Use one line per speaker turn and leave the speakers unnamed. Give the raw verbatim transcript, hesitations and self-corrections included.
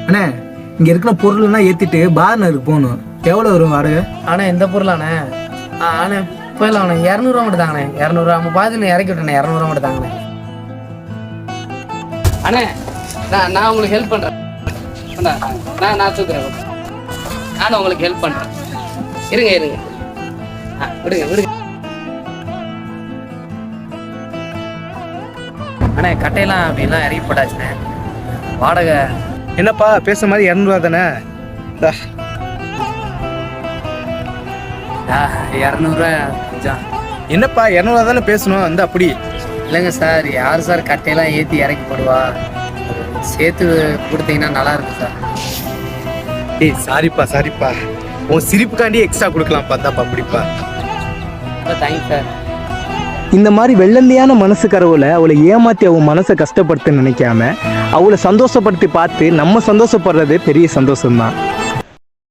அண்ணே இங்கே இருக்கிற பொருள்லாம் ஏற்றிட்டு பார்னருக்கு போகணும். எவ்வளோ வரும் வாடகை?
அண்ணே இந்த பொருளாண்ணே ஆ அண்ணே போயிடலாம் அண்ணே. இரநூறுவா மட்டும் தாங்கண்ணே. இரநூறுவா நம்ம பார்த்து இறக்கி விட்டேண்ணே. இரநூறுவா மட்டும் தாங்கண்ணே. அண்ணே நான் நான் உங்களுக்கு ஹெல்ப் பண்ணுறேன். நான் நான் தூக்குறேன். நானும் உங்களுக்கு ஹெல்ப் பண்ணுறேன். இருங்க இருங்க ஆ விடுங்க விடுங்க. அண்ணே கட்டையெல்லாம் அப்படிலாம் இறக்கி போட்டாச்சுண்ணே. வாடகை
என்னப்பா பேசுற மாதிரி இரநூறுவா தானே?
இரநூறுவா கொஞ்சம்.
என்னப்பா இரநூறுவா தானே பேசணும். அந்த அப்படி
இல்லைங்க சார், யார் சார் கட்டையெல்லாம் ஏற்றி இறக்கி போடுவா? சேர்த்து கொடுத்தீங்கன்னா நல்லா இருக்கும் சார்.
ஏய் சாரிப்பா சாரிப்பா, உன் சிரிப்புக்காண்டி எக்ஸ்ட்ரா கொடுக்கலாம் பார்த்தாப்பா. அப்படிப்பா
தேங்க்ஸ் சார்.
இந்த மாதிரி வெள்ளந்தியான மனசுக்கரவுல அவளை ஏமாத்தி அவன் மனசை கஷ்டப்படுத்த நினைக்காம அவளை சந்தோஷப்படுத்தி பார்த்து நம்ம சந்தோஷப்படுறது பெரிய சந்தோஷம்தான்.